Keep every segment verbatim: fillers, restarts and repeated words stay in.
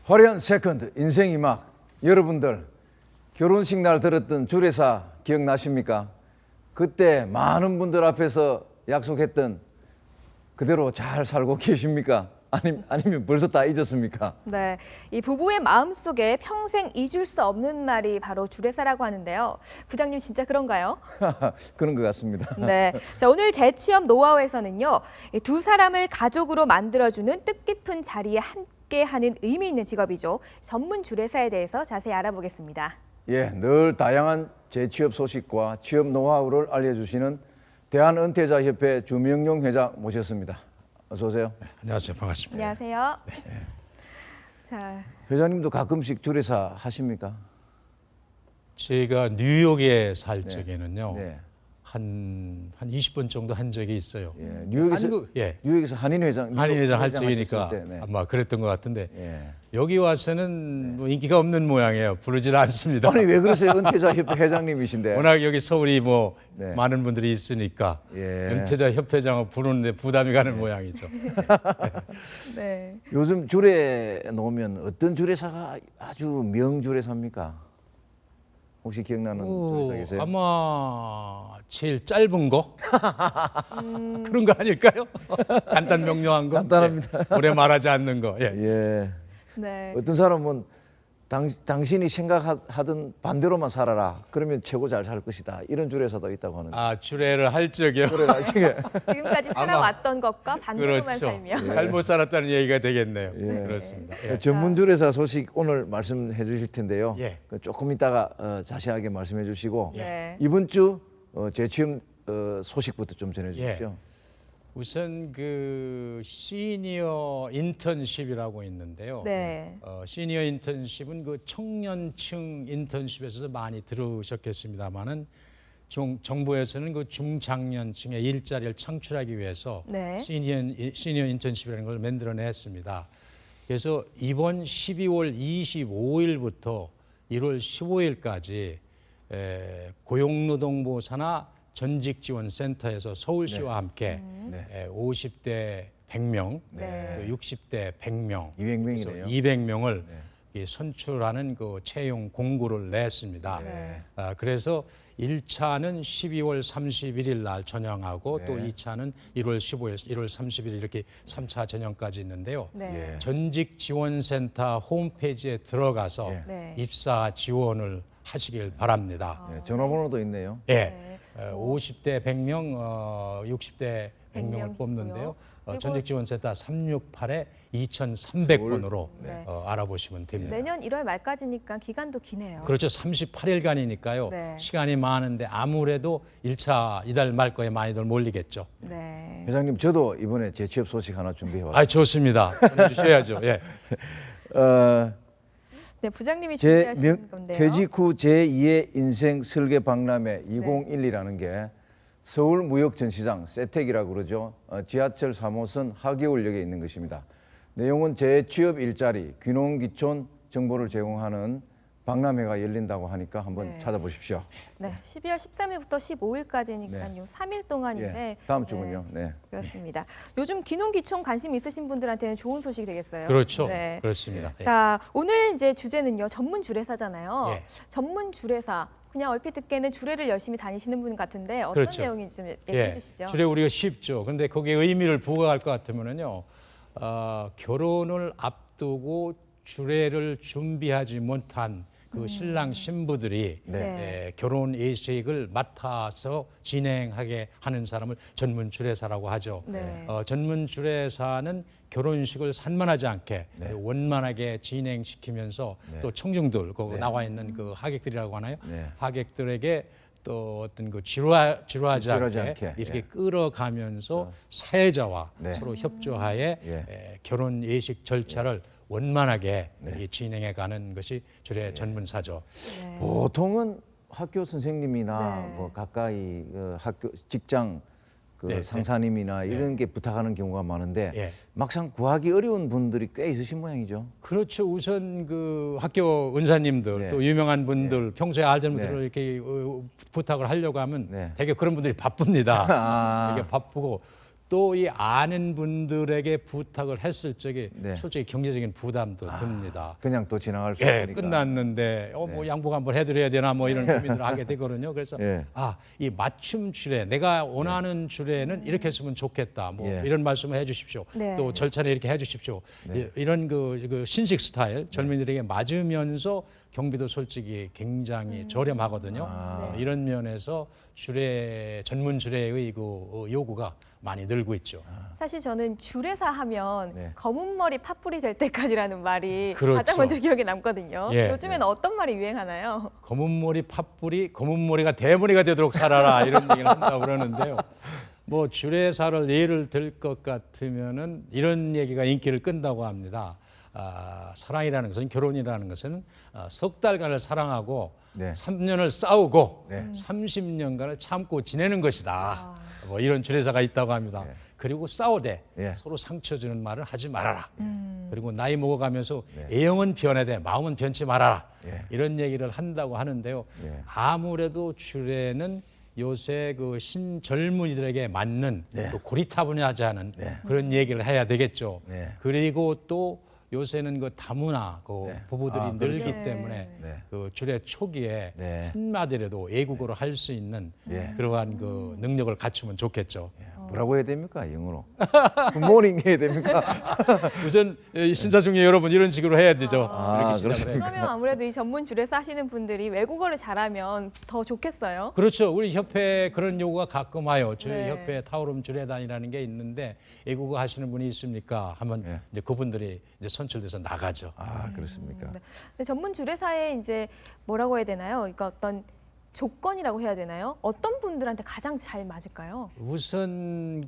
화려한 세컨드 인생이 막 여러분들 결혼식 날 들었던 주례사 기억나십니까? 그때 많은 분들 앞에서 약속했던 그대로 잘 살고 계십니까? 아니, 아니면 벌써 다 잊었습니까? 네, 이 부부의 마음속에 평생 잊을 수 없는 날이 바로 주례사라고 하는데요. 부장님 진짜 그런가요? 그런 것 같습니다. 네, 자, 오늘 재취업 노하우에서는요, 이두 사람을 가족으로 만들어주는 뜻깊은 자리에 함께하는 의미 있는 직업이죠. 전문 주례사에 대해서 자세히 알아보겠습니다. 예, 늘 다양한 재취업 소식과 취업 노하우를 알려주시는 대한은퇴자협회 주명용 회장 모셨습니다. 어서 오세요. 네, 안녕하세요. 반갑습니다. 안녕하세요. 네. 자, 회장님도 가끔씩 주례사 하십니까? 제가 뉴욕에 살 적에는요. 네. 한, 한 이십 번 정도 한 적이 있어요. 예, 뉴욕에서 한국, 예. 뉴욕에서 한인 회장 한인 회장 할 하셨을 적이니까 때, 네. 아마 그랬던 것 같은데 예. 여기 와서는 뭐 인기가 없는 모양이에요. 부르질 않습니다. 아니 왜 그러세요? 은퇴자 협회 회장님이신데. 워낙 여기 서울이 뭐 네. 많은 분들이 있으니까 예. 은퇴자 협회장을 부르는데 부담이 가는 모양이죠. 네. 요즘 주례 놓으면 어떤 주례사가 아주 명주례사입니까? 혹시 기억나는 오, 주례사 계세요? 아마 제일 짧은 거 그런 거 아닐까요? 간단 명료한 거. 간단합니다. 예. 오래 말하지 않는 거. 예. 예. 네. 어떤 사람은 당, 당신이 생각하던 반대로만 살아라. 그러면 최고 잘 살 것이다. 이런 주례사도 있다고 하는데. 아 주례를 할 적이요. 그래, 지금 지금까지 살아왔던 것과 반대로만 그렇죠. 살며. 잘못 살았다는 얘기가 되겠네요. 예. 그렇습니다. 예. 전문 주례사 소식 오늘 말씀해 주실 텐데요. 예. 그 조금 이따가 어, 자세하게 말씀해 주시고 네. 이번 주 어, 재취업 어, 소식부터 좀 전해 주십시오. 우선 그 시니어 인턴십이라고 있는데요. 네. 어, 시니어 인턴십은 그 청년층 인턴십에서 많이 들으셨겠습니다만은 정부에서는 그 중장년층의 일자리를 창출하기 위해서 네. 시니어, 시니어 인턴십이라는 걸 만들어냈습니다. 그래서 이번 십이월 이십오일부터 일월 십오일까지 에, 고용노동부 산하 전직지원센터에서 서울시와 네. 함께 네. 에, 오십 대 백 명, 네. 또 육십 대 백 명, 이백 명이네요. 이백 명을 선출하는 그 채용 공고를 냈습니다. 네. 아, 그래서 일 차는 십이월 삼십일일 날 전형하고 네. 또 이 차는 일월 십오일, 일월 삼십일 이렇게 삼 차 전형까지 있는데요. 네. 예. 전직지원센터 홈페이지에 들어가서 예. 네. 입사 지원을 하시길 바랍니다. 예, 전화번호도 있네요. 예. 네. 어, 오십 대 백 명, 어, 육십 대 백 명을 백 명이고요. 뽑는데요. 어, 그리고- 전직지원센터 삼육팔에 이천삼백 번으로 네. 어, 알아보시면 됩니다. 내년 일월 말까지니까 기간도 기네요. 그렇죠. 삼십팔 일간이니까요. 네. 시간이 많은데 아무래도 일 차 이달 말 거에 많이들 몰리겠죠. 네. 회장님 저도 이번에 재취업 소식 하나 준비해 왔습니다. 아, 좋습니다. 주셔야죠. 예. 어, 네, 부장님이 제 준비하신 명, 건데요. 퇴직 후 제이의 인생 설계 박람회 이천십이라는 게 서울무역전시장 세택이라고 그러죠. 어, 지하철 삼 호선 하계울역에 있는 것입니다. 내용은 재취업 일자리, 귀농귀촌 정보를 제공하는 박람회가 열린다고 하니까 한번 네. 찾아보십시오. 네, 십이월 십삼일부터 십오일까지니까요. 네. 삼 일 동안인데. 예, 다음 주군요. 네. 그렇습니다. 요즘 귀농귀촌 관심 있으신 분들한테는 좋은 소식이 되겠어요. 그렇죠. 네. 그렇습니다. 예. 자, 오늘 이제 주제는요. 전문 주례사잖아요. 예. 전문 주례사. 그냥 얼핏 듣기에는 주례를 열심히 다니시는 분 같은데 어떤 그렇죠. 내용인지 좀 얘기해 주시죠. 주례 우리가 쉽죠. 근데 거기에 의미를 부과할 것 같으면은요, 어, 결혼을 앞두고 주례를 준비하지 못한 그 신랑 신부들이 네. 에, 결혼 예식을 맡아서 진행하게 하는 사람을 전문 주례사라고 하죠. 네. 어, 전문 주례사는 결혼식을 산만하지 않게 원만하게 진행시키면서 또 청중들, 거기 나와 있는 그 하객들이라고 하나요? 네. 하객들에게 또 어떤 그 지루하, 지루하지, 지루하지 않게, 않게, 이렇게 예. 끌어가면서 사회자와 네. 서로 협조하에 예. 에, 결혼 예식 절차를 원만하게 이렇게 진행해가는 것이 주례 전문사죠. 네. 보통은 학교 선생님이나 네. 뭐 가까이 그 학교 직장 그 네, 네. 상사님이나 이런 게 부탁하는 경우가 많은데 예. 막상 구하기 어려운 분들이 꽤 있으신 모양이죠. 그렇죠. 우선 그 학교 은사님들 네. 또 유명한 분들 평소에 알던 분들을 네. 이렇게 어, 부탁을 하려고 하면 네. 되게 그런 분들이 바쁩니다. 아. 되게 바쁘고 또 이 아는 분들에게 부탁을 했을 적에 네. 솔직히 경제적인 부담도 듭니다. 그냥 또 지나갈 수 예, 있으니까. 끝났는데 어 뭐 양복 한번 해드려야 되나 뭐 이런 고민을 하게 되거든요. 그래서 예. 아, 이 맞춤 주례, 내가 원하는 주례는 이렇게 했으면 좋겠다. 뭐 예. 이런 말씀을 해주십시오. 네. 또 절차는 이렇게 해주십시오. 이- 이런 그, 그 신식 스타일 젊은이들에게 맞으면서 경비도 솔직히 굉장히 저렴하거든요. 어, 이런 면에서 주례 전문 주례의 그 어, 요구가 많이 늘고 있죠. 사실 저는 주례사 하면 네. 검은 머리 팥불이 될 때까지라는 말이 그렇죠. 가장 먼저 기억에 남거든요. 예. 요즘에는 어떤 말이 유행하나요? 검은 머리 팥불이 검은 머리가 대머리가 되도록 살아라 이런 얘기를 한다고 그러는데요. 뭐 주례사를 예를 들 것 같으면은 이런 얘기가 인기를 끈다고 합니다. 아, 사랑이라는 것은 결혼이라는 것은 아, 석 달간을 사랑하고 네. 삼 년을 싸우고 네. 삼십 년간을 참고 지내는 것이다. 뭐 이런 주례사가 있다고 합니다. 그리고 싸우되 예. 서로 상처 주는 말을 하지 말아라. 그리고 나이 먹어가면서 애형은 변해되 마음은 변치 말아라. 예. 이런 얘기를 한다고 하는데요. 예. 아무래도 주례는 요새 그 신젊은이들에게 맞는 네. 또 고리타분하지 않은 그런 얘기를 해야 되겠죠. 네. 그리고 또 요새는 그 다문화 그 네. 부부들이 아, 늘기 그렇죠. 때문에 네. 그 주례 초기에 네. 한마디라도 애국어로 할 수 있는 그러한 그 능력을 갖추면 좋겠죠. 뭐라고 해야 됩니까? 영어로. 굿모닝 해야 됩니까? 우선 이 신사중에 여러분 이런 식으로 해야 되죠. 아, 이렇게 시작을 그렇습니까? 해요. 그러면 아무래도 이 전문 주례사 하시는 분들이 외국어를 잘하면 더 좋겠어요. 그렇죠. 우리 협회 그런 요구가 가끔 와요. 저희 네. 협회 타오름 주례단이라는 게 있는데 애국어 하시는 분이 있습니까? 하면 예. 이제 그분들이 이제 선출돼서 나가죠. 아, 그렇습니까? 네. 근데 전문 주례사에 이제 뭐라고 해야 되나요? 그러니까 어떤 조건이라고 해야 되나요? 어떤 분들한테 가장 잘 맞을까요? 우선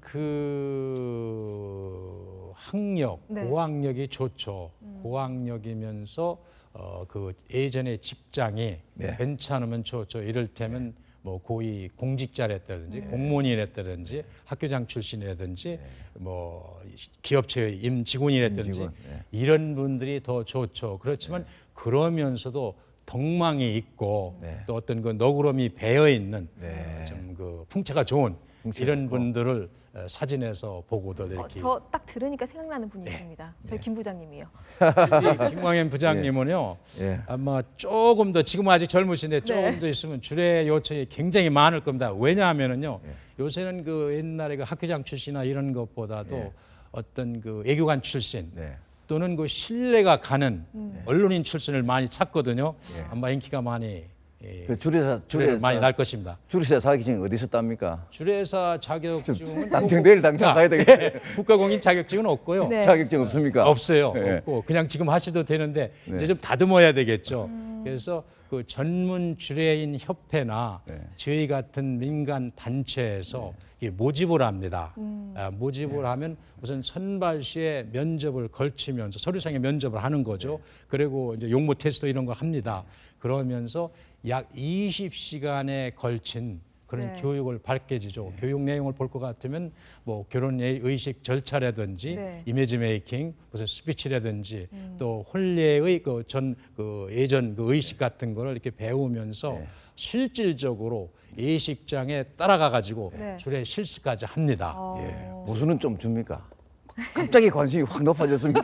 그 학력, 네. 고학력이 좋죠. 고학력이면서 어 그 예전에 직장이 네. 괜찮으면 좋죠. 이를테면 뭐 고위 공직자랬다든지 공무원이랬다든지 학교장 출신이라든지 뭐 기업체 임직원이랬다든지 임직원, 네. 이런 분들이 더 좋죠. 그렇지만 그러면서도 덕망이 있고 네. 또 어떤 그 너구름이 배어 있는 네. 좀 그 풍채가 좋은 풍채가 이런 있고. 분들을 어, 사진에서 보고들 어, 이렇게 저 딱 들으니까 생각나는 분이 있습니다. 저희 김 부장님이요. 우리 김광현 부장님은요 예. 아마 조금 더 지금 아직 젊으신데 조금 네. 더 있으면 주례 요청이 굉장히 많을 겁니다. 왜냐하면은요 예. 요새는 그 옛날에 그 학교장 출신이나 이런 것보다도 예. 어떤 그 애교관 출신 네. 또는 그 신뢰가 가는 언론인 출신을 많이 찾거든요. 예. 아마 인기가 많이 예, 그 주례사 주례를 주례사 많이 날 것입니다. 주례사 자격증이 어디서 땁니까? 주례사 자격증은 당장 내일 당장 아, 가야 되겠네. 예, 국가공인 자격증은 없고요. 네. 자격증 없습니까? 없어요. 예. 없고 그냥 지금 하셔도 되는데 네. 이제 좀 다듬어야 되겠죠. 그래서 그 전문 주례인 협회나 네. 저희 같은 민간 단체에서 이게 모집을 합니다. 아, 모집을 네. 하면 우선 선발 시에 면접을 걸치면서 서류상의 면접을 하는 거죠. 그리고 이제 용모 테스트 이런 걸 합니다. 그러면서 약 이십 시간에 걸친 그런 네. 교육을 받게 되죠. 교육 내용을 볼 것 같으면 뭐 결혼 의식 절차라든지 네. 이미지 메이킹, 무슨 스피치라든지 또 혼례의 그 전 그 예전 그 의식 같은 거를 이렇게 배우면서 네. 실질적으로 예식장에 따라가 가지고 네. 주례 실습까지 합니다. 어, 예. 보수는 좀 줍니까? 갑자기 관심이 확 높아졌습니다.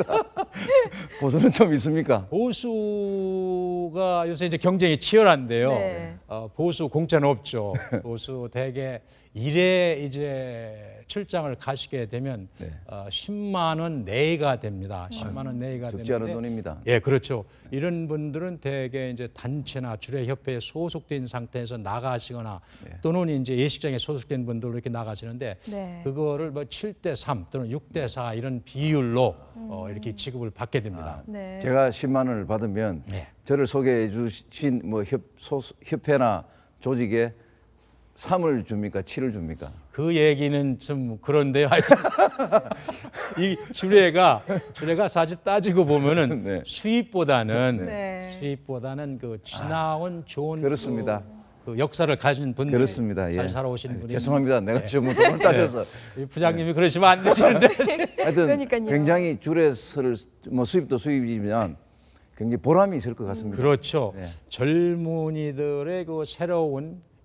보수는 좀 있습니까? 보수가 요새 이제 경쟁이 치열한데요. 네. 어, 보수 공짜는 없죠. 보수 대개 일에 이제 출장을 가시게 되면 네. 어, 십만 원 내외가 됩니다. 십만 원 내외가 적지 않은 되는데 돈입니다. 예, 그렇죠. 이런 분들은 대개 이제 단체나 주례협회에 소속된 상태에서 나가시거나 또는 이제 예식장에 소속된 분들로 이렇게 나가시는데 네. 그거를 뭐 칠 대 삼 또는 육 대 사 이런 비율로 어, 이렇게 지급을 받게 됩니다. 네. 제가 십만 원을 받으면 네. 저를 소개해 주신 뭐 협, 소, 협회나 조직에 삼을 줍니까? 칠을 줍니까? 그 얘기는 좀 그런데요. 하여튼 이 주례가 주례가 사실 따지고 보면은 네. 수입보다는 네. 수입보다는 그 지나온 좋은 그렇습니다. 그, 그 역사를 가진 분들 그렇습니다. 잘 예. 살아오신 아유, 분이 죄송합니다. 내가 지금 돈을 따져서 이 부장님이 그러시면 안 되시는데 하여튼 그러니까요. 굉장히 주례서를 뭐 수입도 수입이지만 굉장히 보람이 있을 것 같습니다. 그렇죠. 네. 젊은이들의 그 새로운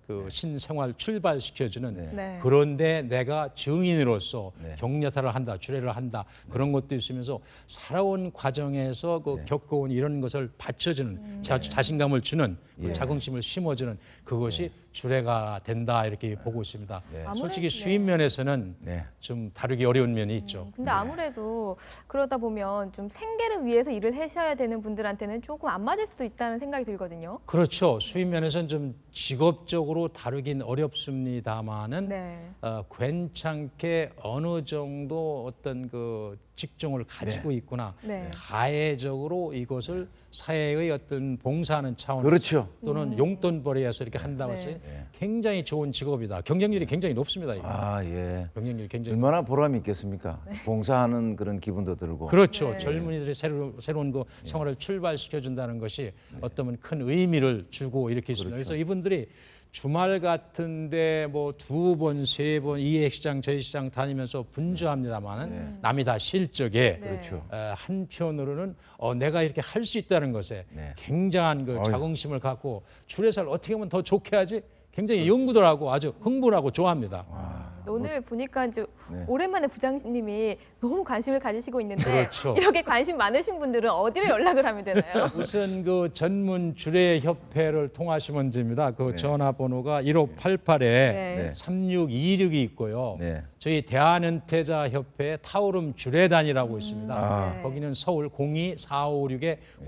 그 신생활 출발시켜주는 네. 네. 그런데 내가 증인으로서 네. 격려사를 한다, 주례를 한다 그런 것도 있으면서 살아온 과정에서 그 겪어온 이런 것을 받쳐주는 자, 자신감을 주는 그 예. 자긍심을 심어주는 그것이 주례가 된다 이렇게 보고 있습니다. 네. 솔직히 아무래도- 수입 면에서는 네. 좀 다루기 어려운 면이 있죠. 근데 아무래도 그러다 보면 좀 생계를 위해서 일을 하셔야 되는 분들한테는 조금 안 맞을 수도 있다는 생각이 들거든요. 그렇죠. 수입 면에서는 좀 직업적으로 다루긴 어렵습니다만은 네. 어, 괜찮게 어느 정도 어떤 그 직종을 가지고 있구나. 네. 가해적으로 이것을 사회의 어떤 봉사하는 차원에서 그렇죠. 또는 용돈벌이에서 이렇게 한다고 해서 네. 굉장히 좋은 직업이다. 경쟁률이 굉장히 높습니다. 이거. 아, 예. 경쟁률이 굉장히 얼마나 보람이 있겠습니까? 봉사하는 그런 기분도 들고. 그렇죠. 네. 젊은이들이 새로, 새로운 그 생활을 출발시켜 준다는 것이 어떤 큰 의미를 주고 이렇게 있습니다. 그래서 이분들이 주말 같은데 뭐 두 번, 세 번 이 시장 저희 시장 다니면서 분주합니다만은 남이 다 실적에 네. 그렇죠. 어, 한편으로는 어, 내가 이렇게 할 수 있다는 것에 네. 굉장한 그 어휴. 자긍심을 갖고 주례사를 어떻게 하면 더 좋게 하지? 굉장히 연구들 하고 아주 흥분하고 좋아합니다. 오늘 보니까 이제 네. 오랜만에 부장님이 너무 관심을 가지시고 있는데 그렇죠. 이렇게 관심 많으신 분들은 어디를 연락을 하면 되나요? 우선 그 전문 주례 협회를 통하시면 됩니다. 그 전화번호가 일오팔팔에 네. 삼육이육이 있고요. 네. 저희 대한은퇴자 협회 타오름 주례단이라고 있습니다. 아. 네. 거기는 서울 공이 사오육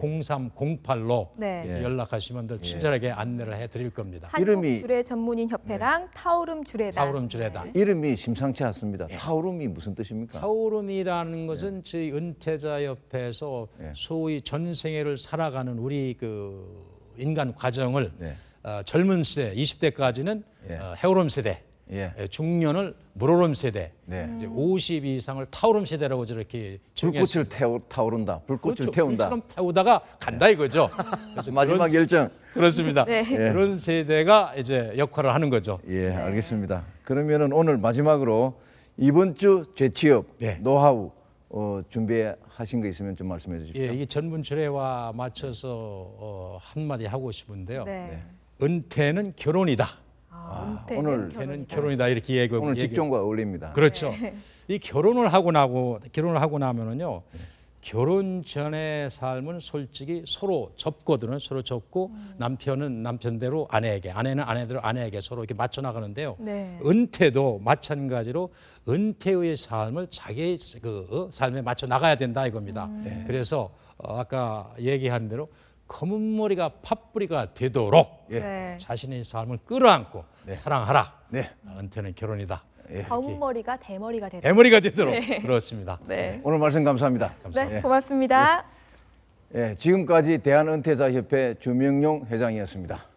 공삼공팔로 네. 예. 연락하시면 늘 친절하게 안내를 해드릴 겁니다. 한국 이름이- 주례 전문인 협회랑 타오름 주례단. 타오름 주례단. 이름이 심상치 않습니다. 타오름이 무슨 뜻입니까? 타오름이라는 것은 저희 은퇴자 옆에서 네. 소위 전생애를 살아가는 우리 그 인간 과정을 네. 어, 젊은 세대 이십 대까지는 예. 어, 해오름 세대, 예. 예, 중년을 물오름 세대, 네. 이제 오십 이상을 타오름 세대라고 저렇게 불꽃을 태우, 타오른다. 불꽃을 그렇죠. 태운다. 불처럼 태우다가 간다 이거죠. 그래서 마지막 그런, 결정. 그렇습니다. 네. 그런 세대가 이제 역할을 하는 거죠. 예, 알겠습니다. 그러면은 오늘 마지막으로 이번 주 재취업 네. 노하우 어, 준비하신 거 있으면 좀 말씀해 주십시오. 예, 이 전문 주례와 맞춰서 어, 한마디 하고 싶은데요. 네. 은퇴는 결혼이다. 아, 오늘 은퇴는 은퇴는 결혼이다. 결혼이다 이렇게 얘기 오늘 얘기- 직종과 어울립니다. 그렇죠. 이 결혼을 하고 나고 결혼을 하고 나면은요. 결혼 전의 삶은 솔직히 서로 접거든요. 서로 접고 남편은 남편대로 아내에게, 아내는 아내대로 아내에게 서로 이렇게 맞춰 나가는데요. 네. 은퇴도 마찬가지로 은퇴의 삶을 자기의 그 어, 삶에 맞춰 나가야 된다 이겁니다. 그래서 어, 아까 얘기한 대로 검은 머리가 팥뿌리가 되도록 예. 네. 자신의 삶을 끌어안고 사랑하라. 네. 은퇴는 결혼이다. 검은 머리가 대머리가 되다. 대머리가 되도록 그렇습니다. 네. 오늘 말씀 감사합니다. 네, 고맙습니다. 예, 지금까지 대한은퇴자협회 주명용 회장이었습니다.